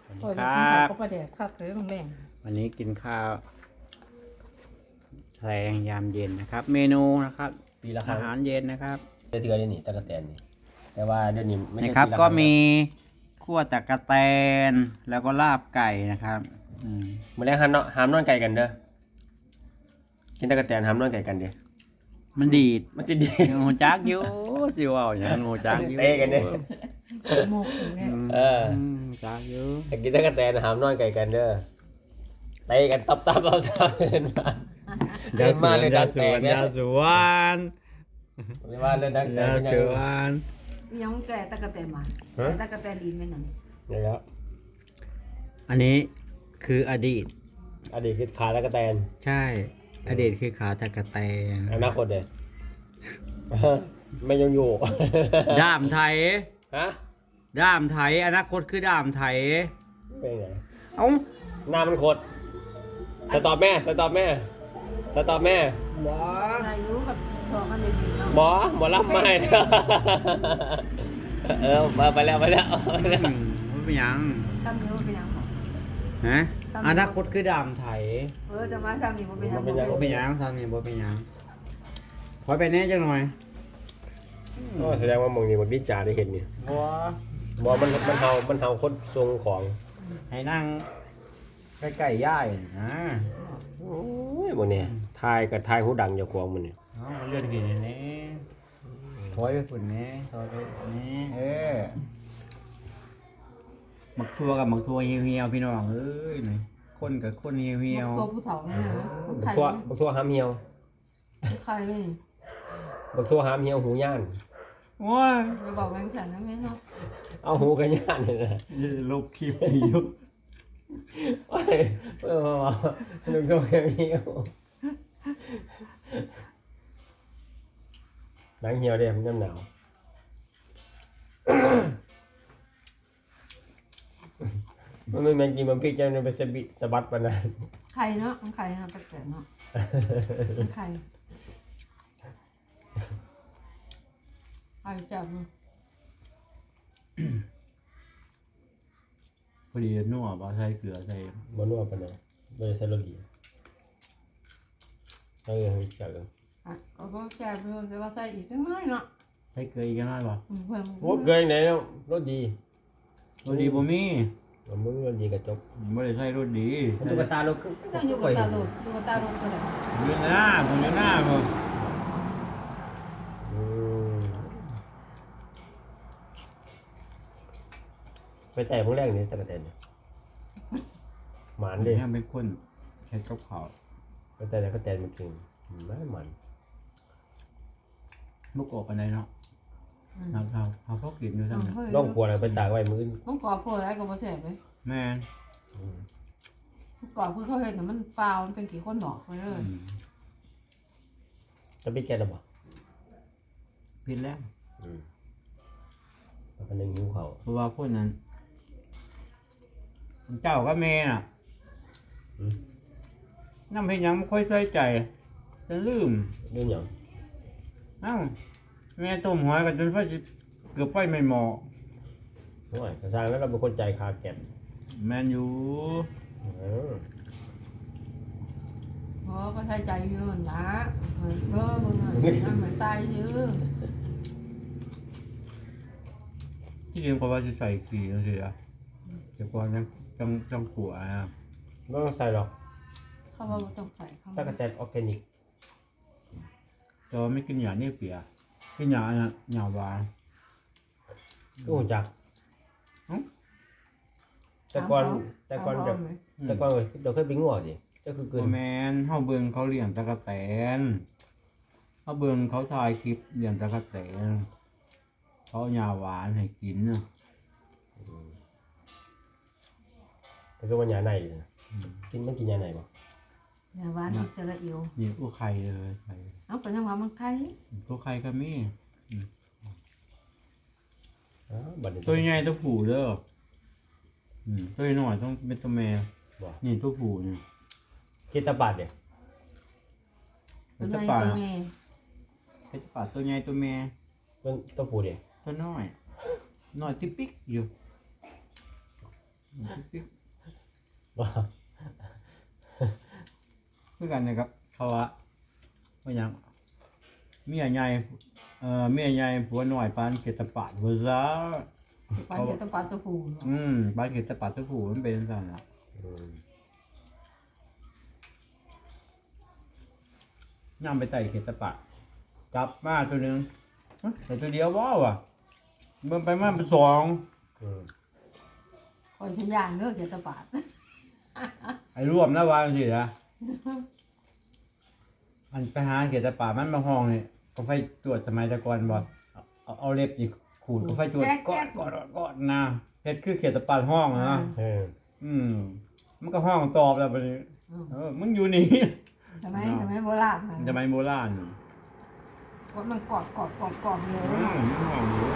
สวัสดีครับก็ประเดี๋ยวคักเลยแรงวันนี้กินข้าวแรงยามเย็นนะครับ เมนูนะครับปีละครั้อาง หารเย็นนะครับเทื่อๆนี่ตะกะแตนนี่แต่ว่าเดี๋ยวนี้ไม่นะใช่ครับปีละก็รั้งมีคั่วตะกะแตนแล้วก็ลาบไก่นะครับมมื้อแรกห้ามนอนไก่กันเด้อกินตะกะแตนห้ามนอนไก่กันเด้อมันดีดมันจะดีงูจักอยู่สิว่าอย่างงูจักอยู่เตะกันเด้อโมกเนี่ยเออจักอยู่ถ้ากินตะกะแตนห้ามนอนไก่กันเด้อเตะกันตับเดินมาเดินมาเลยดังแตกเนี่ยยาสวนเรียกว่าเดินดังแตกยาเป็นสยังวนยังแก่ตะกะแตนมาตะกะแตนดินไม่หนังนี่แล้วอันนี้คืออดีตอดีตคือขาตะกะแตนใช่ อดีตคือขาตะกะแตนอนาคตเด้อไม่ยังอยู่ด้ามไทยฮะด้ามไทยอนาคตคือด้ามไทยเป็นไงเอ้าหน้ามันโคตรสตอบแม่หมออายุกับสองกันเลยดีเนาะหมอรับไม่ ไปแล้วไม่เป็นหยังตั้งนิ้วเป็นยังหรอฮะอนาคตคือด้ามไทยจะมาซ้ำนี่มันเป็นยังบ่เป็นหยังทำนี่บ่เป็นหยังถอยไปแน่จังหน่อยแสดงว่ามึงนี่มันวิจารได้เห็นนี่บ่มันเฮาคนทรงของให้นั่งใกล้ๆย่ายนะโอ้ยมึงเนี่ยทายกับทายหูดังอย่าขวางมันเนี่ยเอาเลื่อนขึ้นนี่ถอยไปฝุ่นนี่ถอยไปนี่หมักทั่วกับหมักทั่วเหี่ยวๆพี่น้องเอ้ยนี่คนกับคนเหี่ยวตัวผู้เฒ่าเนี่ยไข่บักทั่วห้ามเหี่ยวไข่บักทั่วห้ามเหี่ยวหูย่านๆโอ้ยจะบอกแบงค์แขนนะแม่เนาะเอาหูกันย่านนี่แหละลบคลิปอยู่โอ้ยมาลุงก็แค่เหี่ยวหนังเหี่ยวเด้มันน้ำหนาวมันไม่แมงกินมันพริกจะมันไปสะบัดปานนั้นไข่เนาะมันไข่เนาะแปลกๆเนาะไข่จับเนาะพอดีนัวบ่ใส่เกลือใส่บ่นัวปานนั้นบ่ได้ใส่รสดีเออจักกันก็แก่เพิ่มแต่ว่าใส่อีกจังน้อยเนาะใส่เกลืออีกน้อยบ่เพิ่มโอ้เกยไหนแล้วรสดีรสดีบ่มีมึงรสดีก็จบบ่ได้ใส่รสดีตุ๊กตาลูกก็จะอยู่กับตาโดดอยู่กับตาโดดตัวไหนอยู่หน้าผมอยู่หน้าผมไปแต่พวกแรกนี่ตะกะแตนเนี่ยหมานดิแม่เป็นคนแค่กับข้าวไปแต่ตะกะแตนมันเก่งไม่มันบ่กอกปานใดเนาะเอาพอกินอยู่ซั่นน่ะต้องควรไปตากไว้มื้อต้องกรอบพอแล้วก็บ่แซ่บเลยแม่นกรอบคือเขาเห็นแต่มันฟาวมันเป็นกี่คนดอกไปเลยจะไปแก่แล้วบ่ผิดแล้วมันนึงหิวเขาเพราะว่าคนนั้นเจ้ากับแม่น่ะนำเฮ็ดหยังบ่ค่อยใส่ใจจะลืมเรื่องหยังเอ้าแม่ต้มหอยกันจนไฟสิเกือบไฟไม่เหมาะโอ้ยกระซังแล้วเราเป็นคนใจคาแก่นแม่นอยู่เพราะก็ใช้ใจเยอะนะเมื่อมึงเหมือนตายเยอะที่จริงก็ว่าจะใส่ขี้จังซี่อ่ะแต่ก่อนจังขัวอ่ะไม่ต้องใส่หรอกเขาว่าต้องใส่เขาตะกะแตนออร์แกนิกแต่ว่าไม่กินหยานี่เปียกินหยาน่ะหยาหวานก็หุ่นจักแต่ก่อนแบบแต่ก่อนเราเคยไปงัวสิก็คือเกินบ่แม่นเฮาเบิ่งเขาเลี้ยงตะกะแตนเฮาเบิ่งเขาถ่ายคลิปเลี้ยงตะกะแตนเขาเอาหยาหวานให้กินน่ะแต่ก็ว่าหยาในเลยกินมันกินหยาในบ่อย่าหวานจะละเอียวนี่ตัวไข่เลยไข่เอาไปยังหวานมันไข่ตัวไข่ก็มีบัดนี้ตัวใหญ่ตัวผู้เด้อตัวน้อยต้องเป็นตัวแม่บ่นี่ตัวผู้นี่คิดตะบาดเนี่ยเป็เป็น นไงตะปาตัวแม่เป็นตะปาตัวใหญ่ตัวแม่ต้นตัวปูเดียตัวน้อยน้อยติ๊กปิ๊กอยู่บ่เพื่อกันนะครับเขาว่าหยังเมียใหญ่เมียใหญ่ผัวน้อยปานเกตปาดบ่ซะปานเจตปาตะปูปานเกตปาดตะผู้มันเป็นจังซั่นล่ะย่ำไปไต่เกตปาดจับมาตัวหนึงแต่ตัวเดียวบ่ว่ะเบิ่งไปมาเป็นสองคอยชย่างเด้อเจตปาดไอ้รวมนะว่าจังซี่นะอันไปหาเกตปาดมันมาห้องนี่ก็ไฟตรวจสมัยแตะก่อนบ่เอาเล็บนี่ขูดก็ไฟตรวจกอดนะเฮ็ดคือเกตปาดห้องนะ มันก็ห้องตอบแล้วบัดนี้มึงอยู่นี่สมัยโบราณสมัยโบราณก็มันกอดเลยมันห้องอยู่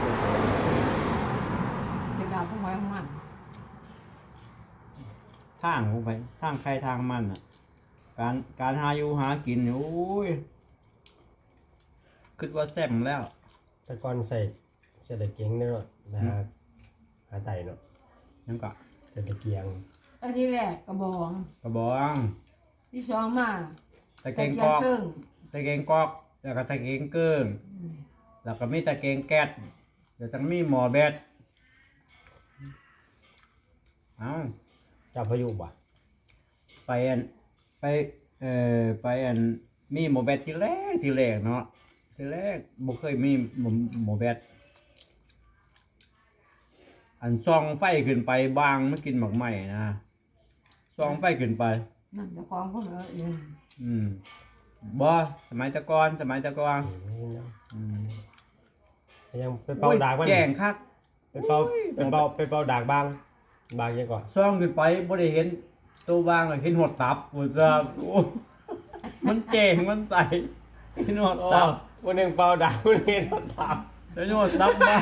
เป็นดาวพวกไม้ของมันทางลงไปทางใครทางมันอ่ะการหาอยู่หากินนี่โอ้ยคิดว่าแซ่บแล้วแต่ก่อนใส่ตะเกียงเนาะนะหาไตเนาะยังก็ใส่ตะเกียงไอ้ที่แรกกระบองกระบองที่สองมาตะเกียงกอกตึ้งตะเกียงกอกแล้วก็ตะเกียงเกิ้งแล้วก็มีตะเกียงแก๊สแล้วก็มีหม้อแบตเอ้าเจ้าพายุบ่ไปมีหม้อแบตที่แรกเนาะที่แรกบ่เคยมีหม้อแบตอันส่องไฟขึ้นไปบางไม่กินหมักไหม้นะส่องไฟขึ้นไปนั่นจะคล้องพวกเราเองบ่สมัยตะกอนยังไปเป่าดากมันแจ้งคักไปเป่าดากบางยังก่อนส่องขึ้นไปบ่ได้เห็นตัวบางเลยเห็นหดตับว่าซะโอ้มันแจ้งมันใสเห็นหดตับวันนึงเป่าดากวันนึงทับเห็นหดตับบาง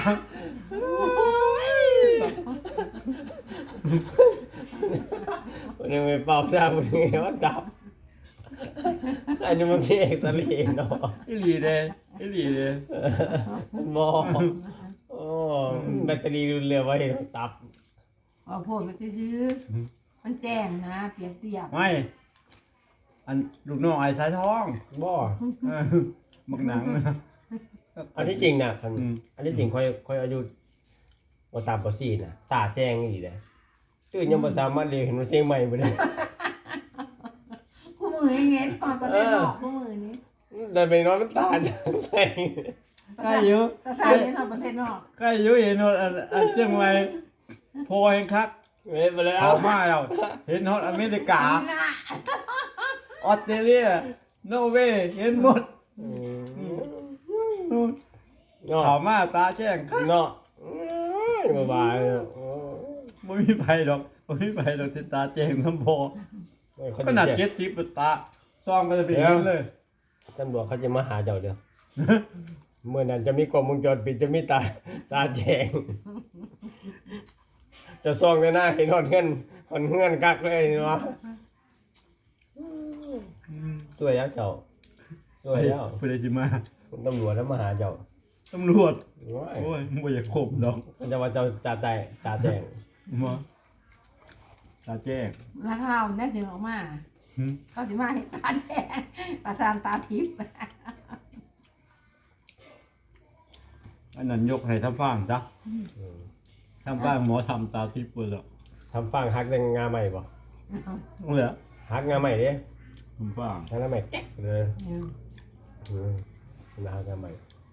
วันนึงไปเป่าดากวันนึงทับอันนี้มันพี่เอกสลีเนาะอีหลีเด้บ่โอ้แบตเตอรี่รุนเร็วไว้ตับเอาโพดไปซื้อมันแจ้งนะเปรียบเทียบไม่อันลูกน้องไอ้สายทองบ่มักหนังอันที่จริงน่ะอันที่จริงค่อยอายุบ่3บ่4น่ะตาแจ้งอีหลีเด้ตื่นยังบ่สามารถเรียนเห็นว่าเสียงใหม่บ่ได้คู่มือเงี้ยปอนประเทศนอกคู่มือนี้แต่ไปนอนน้ำตาจะใส่ใกล้อยู่ก็ใช่เลยนอกประเทศนอกใกล้อยู่เห็นหดอันเชียงใหม่โพเห็นคักเว้ยไปแล้วเอามาแล้วเห็นหดอเมริกาออสเตรเลียนอร์เวย์เห็นหมดเนาะเขามาตาแจ้งคักเนาะบ๊ายบายไม่มีไฟดอกที่ตาแจ้งน้ำพอขนาด70ตาซ่องก็จะเป็นอย่างนั้นเลยตำรวจเขาจะมาหาเจ้าเด้อเมื่อนั้นจะมีกล้องวงจรปิดจะมีตาแจงจะซ่องในหน้าเห็นหอนเงื่อนกักเลยเนาะสวยแล้วเจ้าสวยแล้วผู้ใดสิมาตำรวจแล้วมาหาเจ้าตำรวจว้ายโอ้ยมึงบ่อยากขบดอกมันจะว่าเจ้าตาแจงมาตาแจ้งแล้วเขาเนี่ยจึงออกมาเขาจะมาให้ตาแจ้งตาซานตาทิพย์อันนั้นยกให้ทำฟังจ้ะทำฟังหมอทำตาทิพย์เปิดแล้วทำฟังฮักยังงาใหม่บ่เอาเลยฮักงาใหม่ดิทำฟังฮักงาใหม่แก๊กเลยนะฮักงาใหม่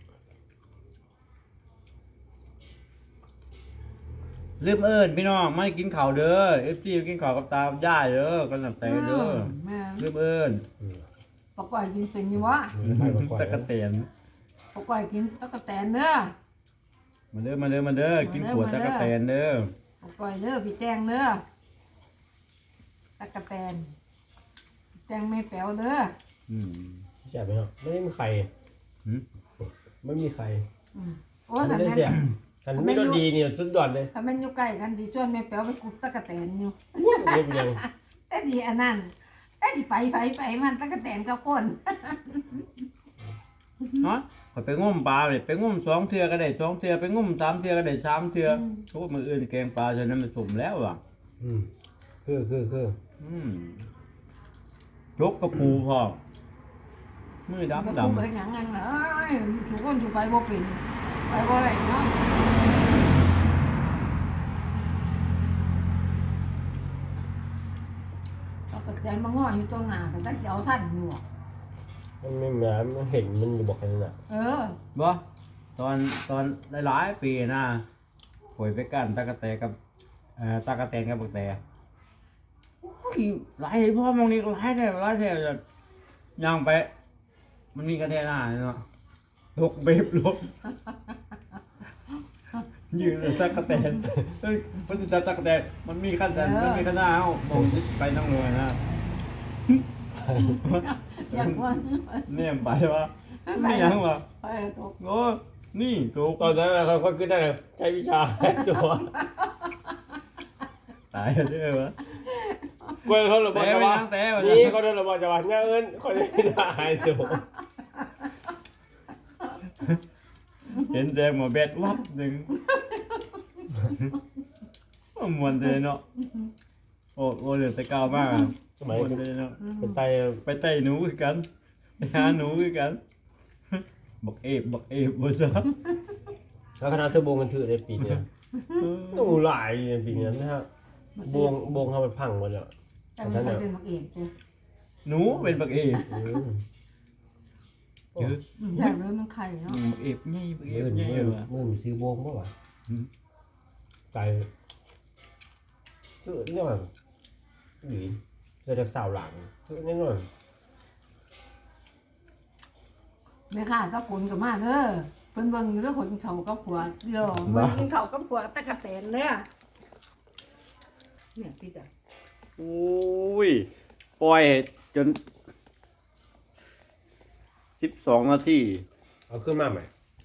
ลืมเอิญพี่น้องไม่กินข้าวเด้อ FC กินข้าวกับตาย่าเด้อกันหนับแต่เด้อลืมเอิญปกอยกินเป็นอยู่วะตะกะเตียนปกอยกินตะกะแตนเด้อมาเด้อกินขวดตะกะเตียนเด้อปกอยเด้อพี่แจงเด้อตะกะแตนแจงไม่แป๋วเด้อใช่ไหมเนาะไม่มีใครไม่มีใครโอ้สันไม่แม่ได้ฉันไม่รสดีเนี่ยสุดยอดเลยถ้ามันอยู่ใกล้กันสิชวนแม่แป๋วไปกุบตะกะแตนอยู่ไม่เป็นยังแต่ดีอันนั้นแต่ดีไปมันตะกะแตนกับคนฮะข่อยไปงมปลาเลยไปงม2เทื่อก็ได้2เทื่อไปงม3เทื่อก็ได้3เทื่อโอ้มื้ออื่นแกงปลาฉะนั้นมันสมแล้วว่ะคือยกกระปูพ่อมือบ่ดำคุ้มดำไปหยังงั้นเลยทุกคนสิไปบ่เป็นไปบ่ได้เนาะเอากระแจมาง้ออยู่ตรงหน้าก็ตั้งจะเอาท่านอยู่อะมันไม่แหมมันเห็นมันอยู่บอกกันน่ะบ่ตอนหลายๆปีนะป่วยไปกันตะกะแตกับตะกะแตนกับบักแตโอ้ยหลายพ่อมองนี่หลายแท้จะย่างไป มันมีกระแตหน้าเนาะลกเบบลกยืนเลยตะกะแตนเฮ้ยมันจะตะกะแตนมันมีขั้นแต่มันมีขั้นหน้าเอ้าบอกไปน้องเลยนะเสียงว่าเนี่ยไปวะไม่ยังวะไปตกโอ้นี่ถูกตอนนั้นเขาก็ขึ้นได้ใช้วิชาตัวตายเลยวะกวนเขาหรือบอกจะว่าแต่ไปนี่เขาโดนหรือบอกจะว่าเงินคนไม่ได้ตัวเห็นแจงหมอเบ็ดวับหนึ่งมวนเลยเนาะโอ้เหลือแต่เก่ามากสมัยมวนเลยเนาะเป็นไตไปไต่หนูคือกันไปหาหนูคือกันบักเอฟบ่ซะแล้วคณะเสื้อบงกันถือในปีนี้หนูหลายปีนี้นะฮะบงเขาไปพังหมดแล้วแต่มันเป็นมักเองจ้ะหนูเป็นบักเอฟเยอะใหญ่เลยมันไข่เนาะบักเอฟไงบักเอมืฟอไงมือวะมีซื้อบงป่ะวะใจคือเนี่ยมันหรือเกิดจากสาวหลังคือแน่นอนแม่ค้าสักคนก็มาเด้อเพิ่นเบิ่งอยู่เด้อคนเขากับผัวเดี๋ยวมันกินเขากับผัวตะกะแตนเด้อเนี่ยพี่จ้ะอุ้ยปล่อยจน12 นาทีเอาขึ้นมาใหม่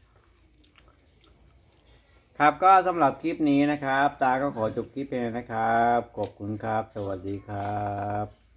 ครับก็สำหรับคลิปนี้นะครับ ตาก็ขอจบคลิปเพียงนะครับ ขอบคุณครับ สวัสดีครับ